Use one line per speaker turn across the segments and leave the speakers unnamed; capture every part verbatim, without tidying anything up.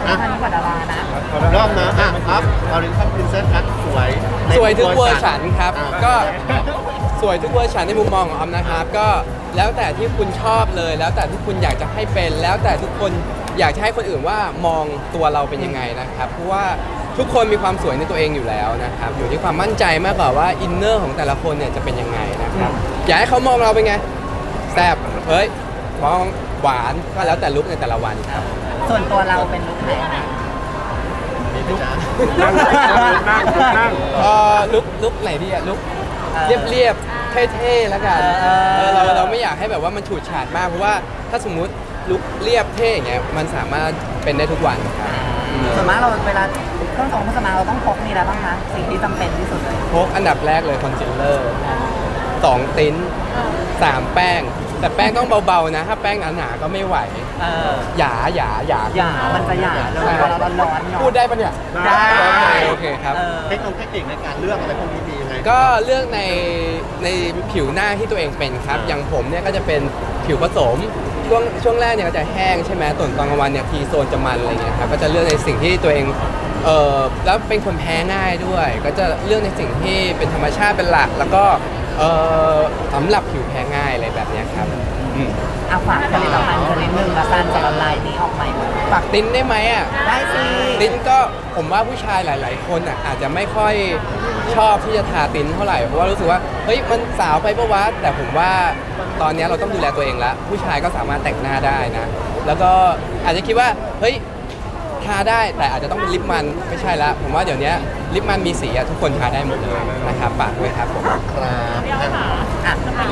สำคัญกว่าดารานะ
รอบนะอ่ะครับออริจิน p ินเซสครับสวย
สวยทุกเวอร์ชันครับ
อ่า
ก็สวยทุกเวอร์ชันในมุมมองของออมนะครับ ก็แล้วแต่ที่คุณชอบเลย แล้วแต่ที่คุณอยากจะให้เป็น แล้วแต่ทุกคนอยากจะให้คนอื่นว่ามองตัวเราเป็นยังไงนะครับ เพราะว่าทุกคนมีความสวยในตัวเองอยู่แล้วนะครับ อยู่ที่ความมั่นใจมากกว่าว่าอินเนอร์ของแต่ละคนเนี่ยจะเป็นยังไงนะครับ อยากให้เขามองเราเป็นไงแซ่บเฮ้ยมองหวานก็แล้วแต่ลุคในแต่ละวันครับ
ส่วนตัวเราเป็นลุคไหนนะ
ลุก
นั่งนั่งนั่ง
เออลุกลุกไหนดีอะลุกเรียบเรียบๆเท่ๆแล้วกัน
เออ
เออเราเราไม่อยากให้แบบว่ามันฉูดฉาดมากเพราะว่าถ้าสมมุติลุกเรียบเท่อย่างเงี้ยมันสามารถเป็นได้ทุกวันครับ
ส่วนมากเราเวลาเครื่องสองเครื่องสำอางเราต้องพกนี่อะไรบ้างคะสิ่งที่จำเป็นที่สุดเลย
พกอันดับแรกเลยคอนซีลเลอร์สองติ้นสามแป้ง แต่แป้งต้องเบาๆนะ ถ้าแป้งหนาๆก็ไม่ไหว
เออ
หยาหยาหยา
หยามันจะหยาเลยเวลาเราร้อนๆเนาะ
พูดได้ปะเนี่ย
ได้
โอเคโอเคครับ
เออ
เทคโนโลยีเทคนิคในการเลือกอะไรพวกนี้มียังไง
ก็เลือกในในผิวหน้าที่ตัวเองเป็นครับ อย่างผมเนี่ยก็จะเป็นผิวผสม ช่วงช่วงแรกเนี่ยก็จะแห้งใช่ไหมส่วนตอนกลางวันเนี่ยทีโซนจะมันอะไรเงี้ยครับ ก็จะเลือกในสิ่งที่ตัวเอง เออแล้วเป็นคนแพ้ง่ายด้วย ก็จะเลือกในสิ่งที่เป็นธรรมชาติเป็นหลัก แล้วก็เออสำหรับผิวแพ้ง่ายอะไรแบบเนี้ยครับอืม
เอาฝากผลิตภัณฑ์ชนิดหนึ่งละกันจากลายนี้ออกใหม่
ฝากติ้นได้ไหมอ่ะ
ได้สิ
ติ้นก็ผมว่าผู้ชายหลาย ๆ คนอ่ะอาจจะไม่ค่อยชอบที่จะทาติ้นเท่าไหร่เพราะว่ารู้สึกว่าเฮ้ยมันสาวไปปะวะแต่ผมว่าตอนนี้เราต้องดูแลตัวเองละผู้ชายก็สามารถแต่งหน้าได้นะ แล้วก็อาจจะคิดว่าเฮ้ยทาได้แต่อาจจะต้องเป็นลิปมันไม่ใช่ละผมว่าเดี๋ยวนี้ลิปมันมีสีอะทุกคนทาได้หมดเลยนะครับฝากด้วยครับผม
ครับ
อ่ะ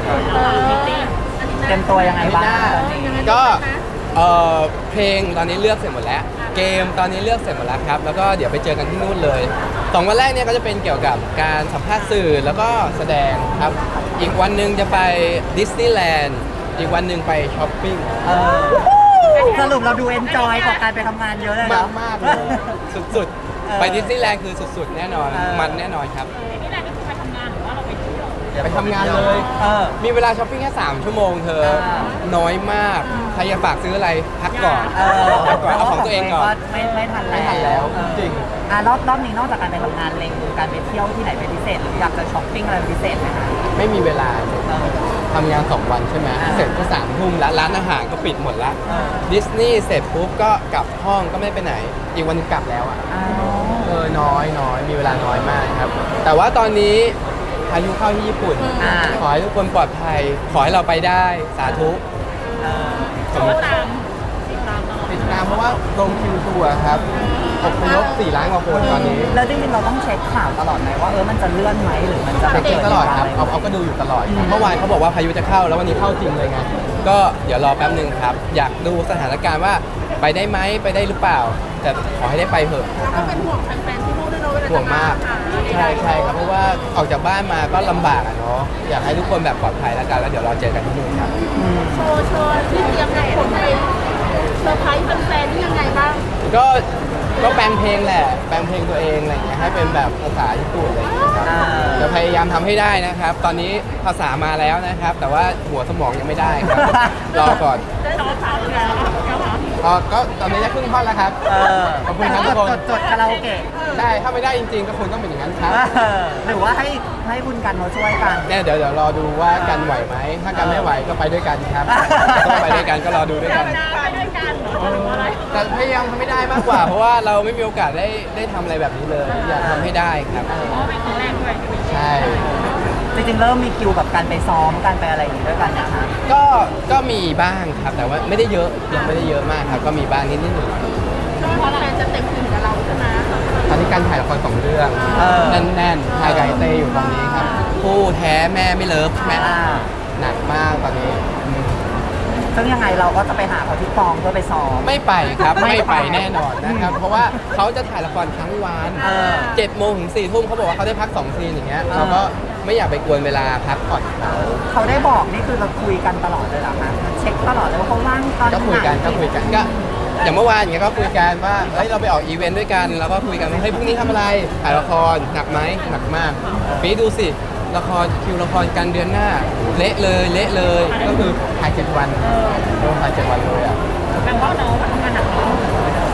เตรียมตัวยังไงบ้างตอนนี้
ก็เอ่อเพลงตอนนี้เลือกเสร็จหมดแล้ว เกมตอนนี้เลือกเสร็จหมดแล้วครับ แล้วก็เดี๋ยวไปเจอกันที่นู่นเลยสองวันแรกเนี่ยก็จะเป็นเกี่ยวกับการสัมภาษณ์สื่อแล้วก็แสดงครับ อีกวันหนึ่งจะไปดิสนีย์แลนด์อีกวันหนึ่งไปช้อปปิ้ง
เออสรุปเราดูเอนจอยกับการไปทำงานเยอะเลย
มา
เนาะ
กมากๆเลยสุด
เออ
ๆ ไปดิสนีย์แลนด์คือสุดๆ แน่นอน
เออ
มันแน่นอนครับ
นี่แหละนี่คือไปทำงานหรือว่าเราไปเที่ยว
ไปทำงานเลย
เออ
มีเวลาช้อปปิ้งแค่สามชั่วโมงเธอ
อ่า
น้อยมาก ใครอยากฝากซื้ออะไรพักก่อน
เออ
พักก่อนเอาของตัวเองก่อน
ไม่ไม่ทันแล้ว
ไม่ทันแล้ว
เออ
จริง
อ่ะรอบรอบนี้นอกจากการไปทำงานเล็งการไปเที่ยวที่ไหนเป็นพิเศษหรืออยากจะช้อปปิ้งอะไรเป็นพิเศษไหมคะ
ไม่มีเวลา
เออ
ทำงานสองวันใช่ไหม
อ่า
เสร็จก็สามทุ่มแล้วร้านอาหารก็ปิดหมดละ
เออ
ดิสนีย์เสร็จปุ๊บก็กลับห้องก็ไม่ไปไหน อีกวันหนึงกลับแล้วอ่ะ
อ้าว
เออน้อยน้อยมีเวลาน้อยมากครับ แต่ว่าตอนนี้พายุเข้าที่ญี่ปุ่น
อ่า
ขอให้ทุกคนปลอดภัย ขอให้เราไปได้สาธุ
เออ
สมมติ
ตามติดตามตลอด
ติดตามเพราะว่าลงคิวทัวร์ครับอพยพสี่ล้านกว่าคนตอนนี้
แล้วจริงๆเราต้องเช็คข่าวตลอดไหมว่าเออมันจะเลื่อนไหมหรือมันจะ
เช็คเองตลอดครับ เอาเอาก็ดูอยู่ตลอดครับเมื่อวานเขาบอกว่าพายุจะเข้าแล้ววันนี้เข้าจริงเลยไง ก็เดี๋ยวรอแป๊บหนึ่งครับ อยากดูสถานการณ์ว่าไปได้ไหมไปได้หรือเปล่า แต่ขอให้ได้ไปเถอะ
ก็เป็นห่วงแฟนๆที่นู่นด้วยเนาะเวลา
ห่วงมาก
จะ
ใช่ใช่ครับ เพราะว่าออกจากบ้านมาก็ลำบากอะเนาะ อยากให้ทุกคนแบบปลอดภัยแล้วกัน แล้วเดี๋ยวรอเจอกันที่นู่นครับ
โชว์โชว์ที่เตรียมให้คนไปเซอร์ไพรส์แฟนๆนี่ยังไงบ้าง
ก็ก็แปลงเพลงแหละ แปลงเพลงตัวเองอะไรอย่างเงี้ยให้เป็นแบบภาษาญี่ปุ่นอะไรอย่างเงี้ยครับ
อ่า
จะพยายามทำให้ได้นะครับ ตอนนี้ภาษามาแล้วนะครับ แต่ว่าหัวสมองยังไม่ได้ครับ รอก่อน
ได้ร้องสาวแล้วเจ้าหา
อ๋อก็ตอนนี้จะครึ่งท่อนแล้วครับ
เออ
ขอบคุณครับทุกคน
จดจดคาราโอเกะ
ใช่ถ้าไม่ได้จริงๆ ก็ควรต้องเป็นอย่างนั้นครับ
เออหรือว่าให้ให้คุณกันเขาช่วยกัน
เนี่ยเดี๋ยวเดี๋ยวรอดูว่ากันไหวไหม ถ้ากันไม่ไหวก็ไปด้วยกันครับ
เออ
ต้องไปด้วยกันก็รอดูด้วยกัน
ไปด้วยกันเหรอหรือว่าอะไร
แต่พยายามทำให้ได้มากกว่า เพราะว่าเราไม่มีโอกาสได้ได้ทำอะไรแบบนี้เลย อยากทำให้ได้ครับ
เพราะว่าเป็นครั้งแรกด้วย
ใช่
จริงๆเริ่มมีคิวกับการไปซ้อมการไปอะไรอย่างนี้ด้วยกันนะคะ
ก็ก็มีบ้างครับ แต่ว่าไม่ได้เยอะยังไม่ได้เยอะมากครับ ก็มีบ้างนิดนิดหน่อย
เพราะแฟนจะเต็มอิ่มกับเราใช่ไหม
ตอนนี้การถ่ายละครสองเรื่อง
เออ
แน่นๆถ่ายไก่เต้อยู่ตอนนี้ครับคู่แท้แม่ไม่เลิฟแม่
อ่า
หนักมากตอนนี้อืม
ซึ่งยังไงเราก็จะไปหาเขาที่กองเพื่อไปซ้อม
ไม่ไปครับ
ไม่
ไม่
ไป
ไปแน่นอนนะครับ เพราะว่าเขาจะถ่ายละครทั้งวัน
เออ
เจ็ดโมงถึงสี่ทุ่มเขาบอกว่าเขาได้พักสองซีนอย่างเงี้ย
เออ
เราก็ไม่อยากไปกวนเวลาพักผ่อนเขา
เขาได้บอกนี่คือเราคุยกันตลอดเลยเหรอคะเช็คตลอดเลยว่าเขาว่างตอนไหน
ก็คุยกันก็คุยกันก็อย่างเมื่อวานอย่างเงี้ยก็คุยกันว่าเฮ้ยเราไปออกอีเวนต์ด้วยกันแล้วก็คุยกันว่าเฮ้ยพรุ่งนี้ทำอะไรถ่ายละครหนักไหมหนักมากปีดูสิละครคิวละครกันเดือนหน้า เละเลยเละเลยก็คือถ่ายเจ็ดวันโดนถ่ายเจ็ดวันเลยอ่ะ
แปลว่าน้องทำงานหนักเนาะ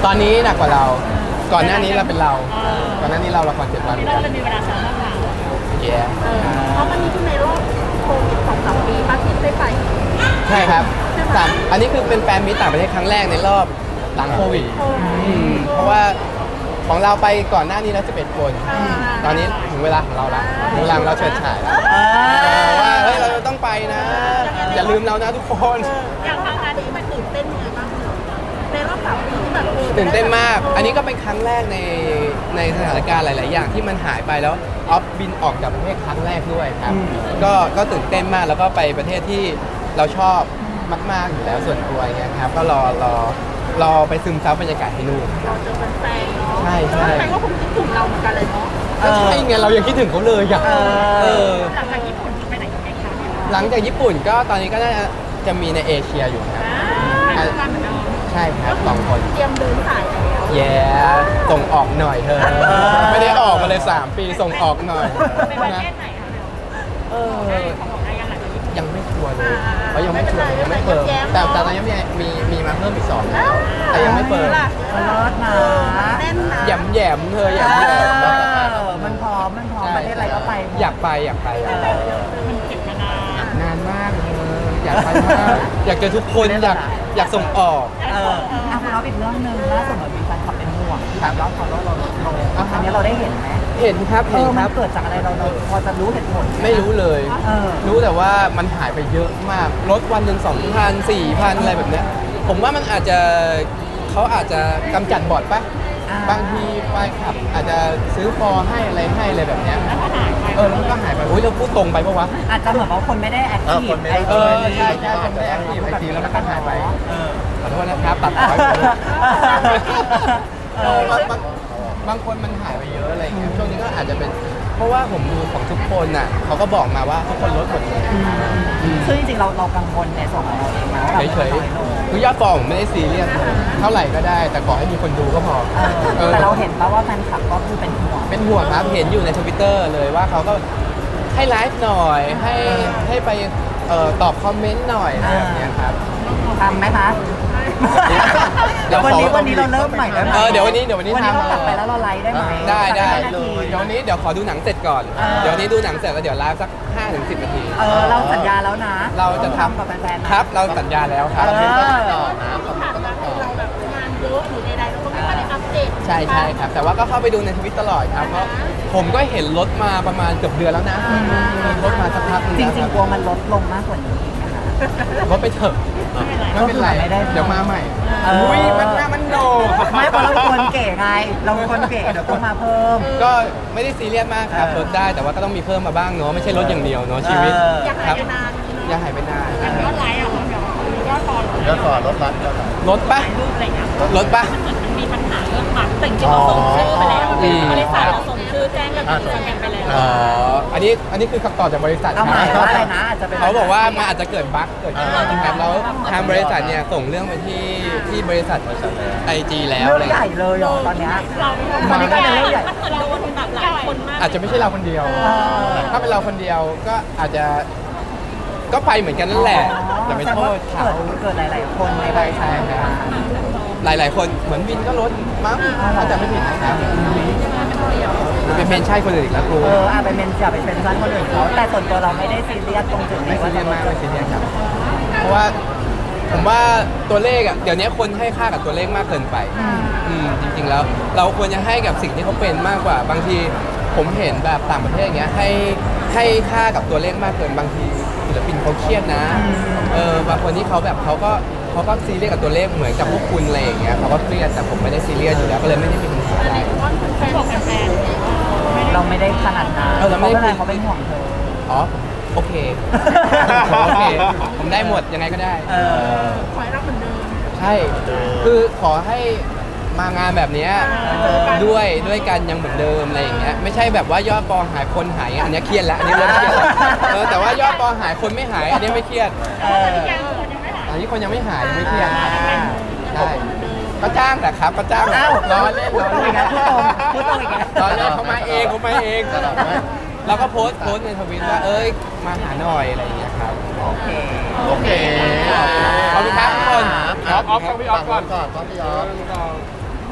ตอนนี้หนักกว่าเรา ก่อนหน้านี้เราเป็นเรา ก่อนหน้านี้เราละครเจ็ดวัน
นี่เราเลยมีเวลาซ้อมมากกว่า
แย่
เออเพราะมันนี้คือในรอบโควิดสองสามปีป้าทิพย์ได้ไป
ใช่ครับสามอันนี้คือเป็นแฟนมิตรต่างประเทศครั้งแรกในรอบหลังโควิด อืมเพราะว่าของเราไปก่อนหน้านี้แล้วสิบเอ็ดคน ตอนนี้ถึงเวลาของเราละถึงเวลาของเราเฉิดฉายแล้วว่าเฮ้ยเราต้องไปนะ อย่าลืมเรานะทุกคน
อย่างทางการนี้มันตื่นเต้นยังไงบ้างในรอบสามปีที่แบบออ
ตื่นเต้นมาก อันนี้ก็เป็นครั้งแรกในในสถานการณ์หลาย ๆ อย่างที่มันหายไปแล้วออฟบินออกจากประเทศครั้งแรกด้วยครับ ก็ก็ตื่นเต้นมากแล้วก็ไปประเทศที่เราชอบมาก ๆ อยู่แล้วส่วนตัวอย่างเงี้ยครับ ก็รอรอรอไปซึมซับบรรยากาศที่นู่นครับ
เจอแฟนๆเนาะ
ใช่ใช่
แฟนก็คงคิดถึงเราเหมือนกันเลยเนาะ
ก็ใช่ไงเรายังคิดถึงเขาเลยอ่ะเออ
หลังจากญี่ปุ่นจะไปไหนกันไหมคะ
หลังจากญี่ปุ่นก็ตอนนี้ก็น่าจะมีในเอเชียอยู่ครับ
อ่าไปด้วยกันเหมือนเดิม
ใช่ครับสองคน
เตรียมเดินสายแล้ว
แย่ส่งออกหน่อยเธอ ไม่ได้ออกมาเลยสามปีส่งออกหน่อย
ไปประ
นะ
เทศไหนคะเบล
เออ
ของของไทยยังหลังจากญี่ปุ่น
ยังไม่ชัวร์เลย
อ่า
เพราะยังไม่ชัวร์
ไม่
ยัง
เป็นไร
ไม่เปิด
แย้มๆ
แต่
เนอะ
แต่ตอนนี้มีมีมีมาเพิ่มอีกสอง
อ้าว
แต่ยังไม่เปิด
ล่ะ
มันเลิศนะ
แน่นนะ
แหยมแหยมๆเธอแหยมแหยม
เออมันพร้อมมันพร้อมประเทศอะไรก็ไปหมด
อยากไปอยากไปอยากไป
มันเก็บมานาน
นานมากเธออยากไปมากอยากเจอทุกคนอยากอยากส่งออก
เอออ่ะคุณเอาอีกเรื่องหนึ่งล่าสุดเหมือนมีแฟนคลับเป็นห่วงที่แบบว่าเขาเราเราเราอันนี้เราได้เห็นไหม
เห็นครับ
เอ
เห็น
อ
ค
มั
รั
น
บ
เกิดจากอะไรเราเราพอจะรู้เหตุผล
ไม่รู้เลย
เออ
รู้แต่ว่ามันหายไปเยอะมากรถวันหนึ่งสองพันสี่พันอะไรแบบเนี้ยผมว่ามันอาจจะเขาอาจจะกำจัดบอดปะ
อ่า
บางทีไฟขับอาจจะซื้อฟอร์ให้อะไรให้อะไรแบบเนี้ยเออแล้วมันก็หายไปอุ้ยเราพูดตรงไปปะวะ
อาจจะเหมือนว่าคนไม่ได้แอค
เออ
ที
ค
ฟ
นไม่
ไอ
ได้
เอ
จี
อใช่ใช่คนไม่ได้แอคทีฟไอจีแล้วมันก็หายไปขอโทษนะครับตัดต่อไปหมดเลย
เออบ
างบางบางคนมันหายไปเยอะอะไรอย่างเงี้ยช่วงนี้ก็อาจจะเป็นเพราะว่าผมดูของทุกคนน่ะเขาก็บอกมาว่าทุกคนลดหมดเลย
ซึ่งจริงๆเราเรากังวลในส่วนของเราเองนะว่าแบบ
เฉยๆคือยอดฟอลผมไม่ได้ซีเรียสเท่าไหร่ก็ได้ แต่ขอให้มีคนดูก็พอ
เออ
เออ
แต่เราเห็นแล้วว่าแฟนคลับก็คือเป็นห่วง
เป็นห่วงครับเห็นอยู่ในทวิตเตอร์เลยว่าเขาก็ให้ไลฟ์หน่อยให้ให้ไปเอ่อตอบคอมเมนต์หน่อยอะไรแบบเนี้ยครับ
ทำไหมคะ
เดี๋ยว
วัน
ขอ
นี้วันนี้เราเริ่มใหม่ได้ไหม
เออเดี๋ยววันนี้เดี๋ยววันนี้
วันนี้
ทำ
เรากลับไปแล้วเราไลฟ์ได้ไหม
ได้ได้
สักห้านาที
เดี๋ยววันนี้เดี๋ยวขอดูหนังเสร็จก่อน
เออ
เดี๋ยววันนี้ดูหนังเสร็จแล้วเดี๋ยวไลฟ์สักห้าถึงสิบนาที
เออเราสัญญาแล้วนะ
เราจะท
กับแฟนๆ
ำ
นะครับ
เราสัญญาแล้วครับ
เออ
ต่อนะ
ที่ผ่านมาคือเราแบบงานเยอะหรือใดๆเราก็ไม่ค่อยได้อัปเดต
ใช่ใช่ครับ แต่ว่าก็เข้าไปดูในทวิตตลอดครับเพราะผมก็เห็นรถมาประมาณเกือบเดือนแล้วนะรถมาสักพักหนึง
จ
แล้ว
ริง
ค
ๆกลัวมันลดลงมากกว่านี้อีกนะคะ
รถไปเถอะไม่เป็นไร
ไม่ได้
เดี๋ยวมาใหม่
เอออุ้
อุ้ยมันหน้ามันโหนก
ไม่เพราะเราเป็นคนเก๋ไง เราเป็นคนเก๋เดี๋ยวต้องมาเพิ่ม
ก็ไม่ได้ซีเรียสมากครับ
เออ
ลดได้แต่ว่าก็ต้องมีเพิ่มมาบ้างเนาะไม่ใช่รถอย่างเดียวเนาะชีวิต
เออ
อยาก
ค
หา
รั
ย
บ
ไปนาน
อย่าหายไปนาน
อย่างยอดไลค์อ่ะคุณเดี๋ยวมียอดฟอล
แล้วก่อนรถบัสแล้วก่อน
รถปะ
รูปอะไรเงี้ย
รถปะ
เหมือนมันมีปัญหาเรื่องแบบแต่จริงๆเราส่งชื่อไปแล้ว
อืม
บริษัทเราส่งชื่อแจ้งกับอินสตาแกรมไปแล้ว
อ๋ออันนี้อันนี้คือคำตอบจากบริษัท
เอาหมายว่าอะไรนะอาจจะเป็น
เขาบอกว่ามันอาจจะเกิดบั๊กเกิดขึ้นนะครับแล้วทางบริษัทเนี่ยส่งเรื่องไปที่ที่บริษัทไอจีแล้ว
เรื่
อะไร
องใหญ่เลยเหรอตอนเนี้ย
เรา
ตอนนี้ก็เป็นเรื่องใหญ่
มันเหมือนโดนแบบหลายคนมาก
อาจจะไม่ใช่เราคนเดียว
อ
ถ้าเป็นเราคนเดียวก็อาจจะก็ไปเหมือนกันนั่นแหละอย่าไปโทษ
แต่
เขา
ว่าเกิดเกิดหลาย ๆ คนในบริษัท
หลาย ๆ คนเหมือนวินก็ลดมั้งถ้าจะไม่ผิดนะครับมันเป็นเมนใช่คนอื่นอีกแล้วครู
เอออาจไปเป็นจะไปเป็นร้านคนอื่นเขาแต่ส่วนตัวเราไม่ได้ซีเรียสตรงจุด
ไม่
นี้
ซี
ว่า
เรีย
จะ
ส
ล
มาก
ด
ไม่ซีเรียสครับเพราะว่าผมว่าตัวเลขอ่ะเดี๋ยวนี้คนให้ค่ากับตัวเลขมากเกินไปอืมจริง ๆ แล้ว เราควรจะให้กับสิ่งที่เขาเป็นมากกว่าบางทีผมเห็นแบบต่างประเทศอย่างเงี้ยให้ให้ค่ากับตัวเลขมากเกินบางทีศิลปินเขาเครียดนะเออบางคนที่เขาแบบเขาก็เขาก็ซีเรียสกับตัวเลขเหมือนกับพวกคุณอะไรอย่างเงี้ยเขาก็เครียดแต่ผมไม่ได้ซีเรียสอยู่แล้วก็เลยไม่ได้มีปัญหาอะไร
แฟนบอกแฟน
เราไม่ได้ขนาดนั้น
เออเราไม่ได้
พะเขาเป็นห่วงเธอ
อ๋อโอเคผมโอเค ผมได้หมดยังไงก็ได้
เออ
คอยรับเหมือนเดิม
ใช่ คือขอให้มางานแบบเนี้ยด้วยด้วยกันยังเหมือนเดิมอะไรอย่างเงี้ยไม่ใช่แบบว่ายอดปอหายคนหายอันเนี้ยเครียดแล้วอันนี้เริ่มเครียดแล้วเออแต่ว่ายอดปอหายคนไม่หายอันเนี้ยไม่เครียด
เออ
อันนี้คนยังไม่หายยังไม่เครียด
อ่า
ใช่ก็จ้างแต่ครับก็จ้าง
อ้าว
ล้อเล่น
พูดตรงอีกแล้วพูดตรงพูดตรงอีกแล้ว
ล้อเล่นเขามาเองเขามาเองเราก็โพสต์โพสต์ในทวิตว่าเอ้ยมาหาหน่อยอะไรอย่างเงี้ยครับ
โอเค
โอเค
ขอบคุณครับทุกคน
ออฟออฟต้องพี่ออฟก่อนก่อนต้องพี่ออฟ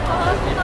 เพราะว่า